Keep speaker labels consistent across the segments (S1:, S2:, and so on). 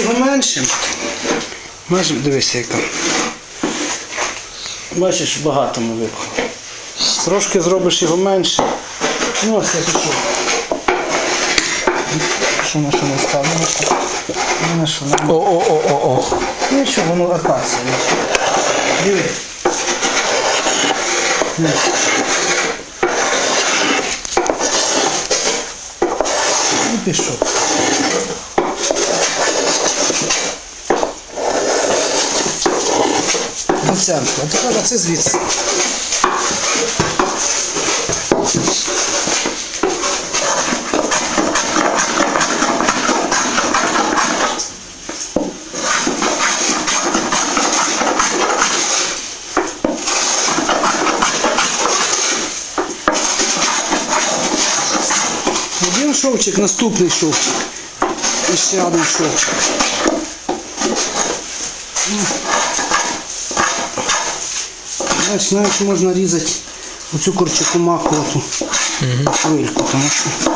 S1: його меншим. Бачиш, дивися яка. Бачиш, багато ми випхали. Трошки зробиш його менше. Ну ось я пішов. Що на що не ставимо? На що?
S2: О.
S1: Нічого, воно акація. Диви. І пішов. Оцянку. А тепер це звідси. Один шовчик, наступний шовчик. І ще один шовчик. Значить, навіть можна різати оцю корчакомакувату хвильку, тому що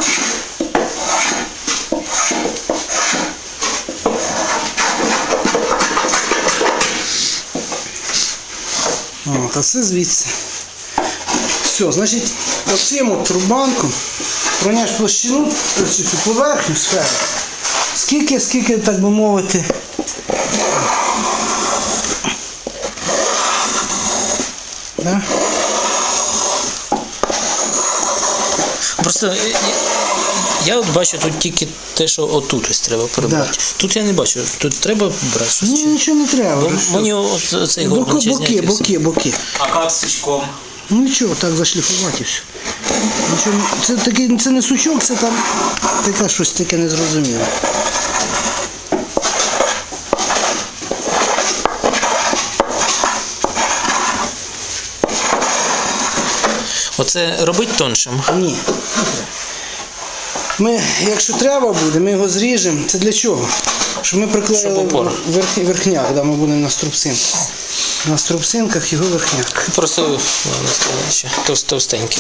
S1: а це звідси. Все, значить, оцим от рубанком проняш площину, цю поверхню сферу. Скільки, так би мовити, да?
S2: Просто я от бачу тут тільки те, що отут ось треба прибрати.
S1: Да.
S2: Тут я не бачу, тут треба брати щось.
S1: Ні, нічого не треба.
S2: Бо мені оцей горбан чи зняти.
S1: Боки.
S3: А як з сучком?
S1: Ну нічого, так зашліфувати і все. Нічого, це не сучок, це там таке щось таке незрозуміле.
S2: Оце робить тоншим?
S1: Ні. Ми, якщо треба буде, ми його зріжемо. Це для чого? Щоб ми приклеїли верхняк, да, ми будемо на струбцинках. На струбцинках його верхняк.
S2: Просто ще товстенький.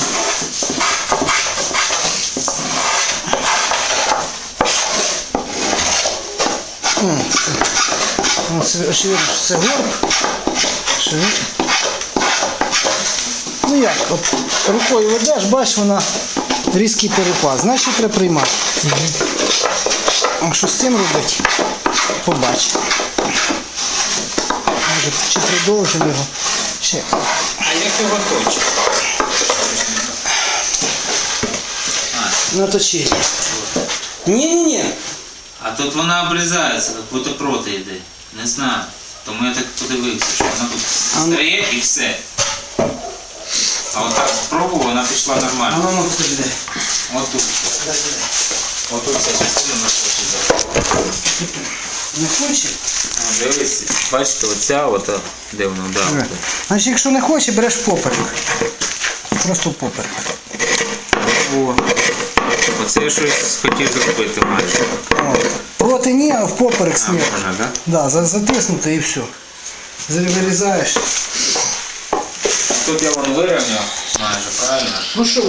S1: Це горб. Ну як, от рукою ведеш, бачиш, вона різкий перепад. Значить треба приймати. А що з цим робити? Побач. Може, чи продовжимо його? Ще.
S3: А як його точить?
S1: Наточи. Ні.
S3: А тут вона обрізається, як будто проти йде. Не знаю. Тому я так подивився, що вона тут стає і все. А от так спробував, вона пішла нормально.
S1: А воно тут йде.
S3: Отут. Отут ця частина не хоче.
S1: Не хоче?
S3: Дивись, бачите, оця, де вона, да.
S1: Значить, якщо не хоче, береш поперек. Просто поперек.
S3: О, оце я щось хотів зробити майже.
S1: Проти ні, а в поперек смерть.
S3: Можна, так?
S1: Да, затиснути і все. Вирізаєш.
S3: Тут я вон вирівняв майже, правильно?
S1: Ну що?